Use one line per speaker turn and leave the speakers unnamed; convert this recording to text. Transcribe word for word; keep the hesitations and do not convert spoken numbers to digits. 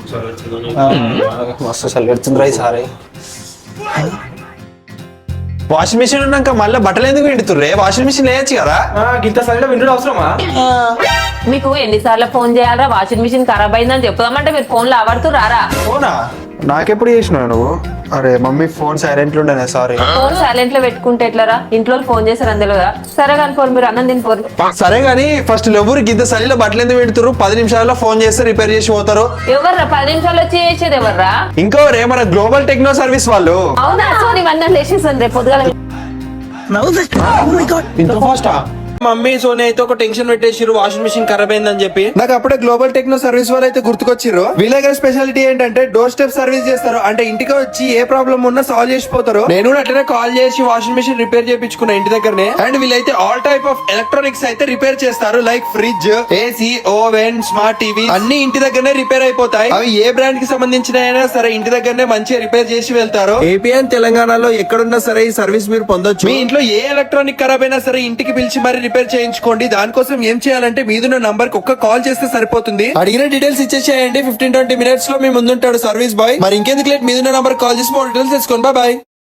మస్తు చలి పెడుతుంది రా ఈసారి. వాషింగ్ మిషన్ ఉన్నాక మళ్ళీ బట్టలు ఎందుకు వింటుర్రే? వాషింగ్ మిషన్ వేయచ్చు కదా.
ఇంత సరిగ్గా వినడం అవసరమా?
మీకు ఎన్నిసార్లు ఫోన్ చేయాలరా? వాషింగ్ మిషన్ ఖరాబ్ అయిందని చెప్తామంటే మీరు ఫోన్ లో ఆడుతూ రారా?
ఫోనా? నాకెప్పుడు చేసినావు నువ్వు? అరే మమ్మీ ఫోన్ సైలెంట్ లో ఉండేనా, సారీ.
ఫోన్ సైలెంట్ లో పెట్టుకుంటే ఎట్లరా? ఇంట్లో ఫోన్ చేశారు అందులో. సరే కానీ పోరు, మీరు అన్నం తినిపోరు.
సరే గానీ ఫస్ట్ ఎవరు గింత చలిలో బట్టలు ఎందుకు పెడుతురు? పది నిమిషాల్లో ఫోన్ చేస్తే రిపేర్ చేసి పోతారు.
ఎవర్రా పది నిమిషాలు వచ్చి చేసేది? ఎవర్రా?
ఇంకోరే మన గ్లోబల్ టెక్నో సర్వీస్ వాళ్ళు.
అవునా? సో నీవన్నీ లేచేసాను రేపు పొద్దుగాల.
ఇంత ఫాస్టా?
మమ్మీ సోనీ అయితే ఒక టెన్షన్ పెట్టేసిరు వాషింగ్ మిషన్ ఖరాబ్ అయిందని చెప్పి.
నాకు అప్పుడే గ్లోబల్ టెక్నో సర్వీస్ వాళ్ళు అయితే గుర్తుకొచ్చిర్రు. వీళ్ళ దగ్గర స్పెషాలిటీ ఏంటంటే డోర్ స్టెప్ సర్వీస్ చేస్తారు. అంటే ఇంటికి వచ్చి ఏ ప్రాబ్లం ఉన్నా సాల్వ్ చేసిపోతారు. నేను కూడా అట్లనే కాల్ చేసి వాషింగ్ మిషన్ రిపేర్ చేయించుకున్నా ఇంటి దగ్గరనే. అండ్ వీళ్ళైతే ఆల్ టైప్ ఆఫ్ ఎలక్ట్రానిక్స్ అయితే రిపేర్ చేస్తారు. Like fridge, AC, oven, smart TV అన్ని ఇంటి దగ్గరనే రిపేర్ అయిపోతాయి. అవి ఏ బ్రాండ్ కి సంబంధించిన అయినా సరే ఇంటి దగ్గరనే మంచిగా రిపేర్ చేసి వెళ్తారు. ఏపీ అండ్ తెలంగాణలో ఎక్కడున్నా సరే ఈ సర్వీస్ మీరు పొందొచ్చు. మీ ఇంట్లో ఏ ఎలక్ట్రానిక్ ఖరాబ్ అయినా సరే ఇంటికి పిలిచి మరి రిపేర్ చేయించుకోండి. దానికోసం ఏం చేయాలంటే మీదున్న నంబర్ కి ఒక్క కాల్ చేస్తే సరిపోతుంది. అడిగిన డీటెయిల్స్ ఇచ్చేసేయండి. ఫిఫ్టీన్ ట్వంటీ మినిట్స్ లో మీ ముందుంటాడు సర్వీస్ బాయ్. మరి ఇంకెందుకు లేట్, మీదున్న నంబర్ కాల్ చేసి more డీటెయిల్స్ తెలుసుకోండి. బాయ్.